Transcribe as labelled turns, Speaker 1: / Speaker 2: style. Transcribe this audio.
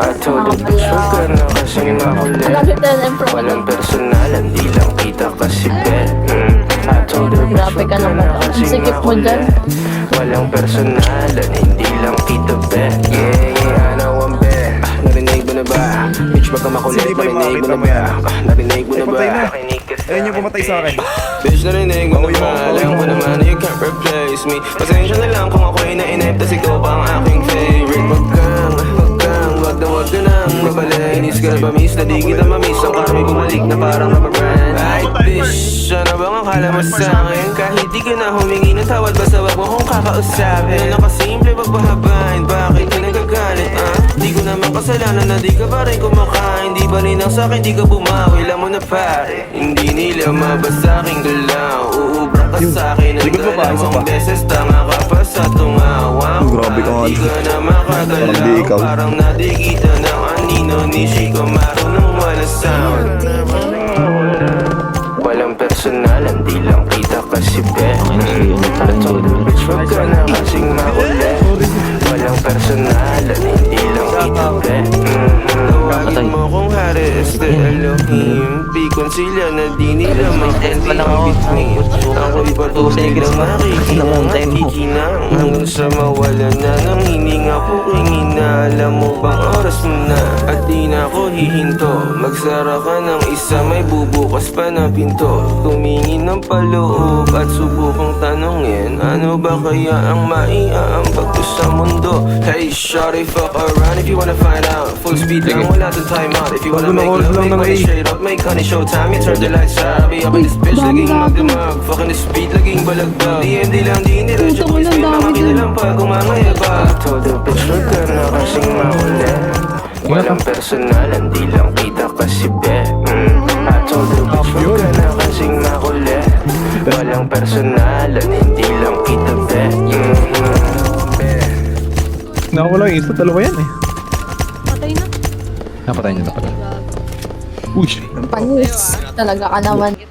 Speaker 1: I told the bitch wag ka na kasing makulit. Walang personalan, di lang kita kasi bet. I told the bitch
Speaker 2: Grabe
Speaker 1: wag
Speaker 2: ka
Speaker 1: ka
Speaker 2: naman.
Speaker 1: na kasing
Speaker 2: Sikip mo dyan.
Speaker 1: makulit. Walang personalan, hindi lang kita bet. Yeah, I know I'm bet. Narinig mo na ba? Bitch baka makulit,
Speaker 3: Hindi ba yung
Speaker 1: narinig mo
Speaker 3: makita
Speaker 1: na
Speaker 3: mo
Speaker 1: ba?
Speaker 3: yan?
Speaker 1: Narinig mo na ba?
Speaker 3: Patay na.
Speaker 1: Nakinig ka sa
Speaker 3: Ayun yung pumatay sa akin.
Speaker 1: Bitch, narinig mo
Speaker 3: Bawi
Speaker 1: na
Speaker 3: mo,
Speaker 1: ba?
Speaker 3: bawi
Speaker 1: Alam
Speaker 3: mo.
Speaker 1: ko naman na you can't replace me. Pasensya na lang kung ako'y nainip, tas ikaw pa ang aking favorite. Wag ka nang mabalik. Inis ka na ba miss, na di kita mamiss. Ang kami bumalik na parang rubber brand. Ay bitch, ano bang akala mo sa akin? Kahit di ka na humingi ng tawad, basta wag mo kong kakausapin. Nakasimple, wag pahabain, bakit ka nagagalit, Di ko naman kasalanan na di ka pa rin kumakain. Di ba rin ang sa'kin, di ka bumawi, alam mo na pare. Hindi nila mabasa aking galaw. Uubra ka sa'kin ng
Speaker 3: Likod mo pa, isa pa.
Speaker 1: dalawang beses. Tanga ka pa sa tungawang.
Speaker 3: Grabe ka nga.
Speaker 1: Di ka na makagalaw.
Speaker 3: Parang di ikaw.
Speaker 1: Parang nadikita ng anino ni Chico marunong wala sound. Walang personalan, di lang kita kasi bet. I told the bitch wag ka na kasing makulit. Walang personalan, hindi lang kita bet. Tawagin mo kung hari este Elohim. Pikon sila na di nila mag-between. Ako'y patuloy na makikinang hanggang sa mawala na ng hininga ko kingina. Alam mo bang oras mo na at di na ako hihinto. Magsara ka ng isa, may bubukas pa na pinto. Tumingin ng paloob at subukang tanongin, ano ba kaya ang maiaambag ko sa mundo? Hey shawty, fuck around if you wanna find out. Full speed lang, wala dun time out. If you wanna make love, make money straight up, make honey showtime. You turn the lights out, be up in this bitch, laging magdamag. Fucking this beat, laging balagbag. DMD lang, di nirasyo, boys, may mga kinilang pag umangayaga. I told the bitch, wag ka na kasing makulit. Walang personalan, di lang kita kasi bet. I told the bitch, wag ka na kasing makulit. Walang personalan, hindi lang kita bet.
Speaker 3: Nakawala yung isa, dalawa yan eh.
Speaker 2: Patay na.
Speaker 4: Napatay niya na pala. Uy!
Speaker 2: Panis. Talaga ka naman.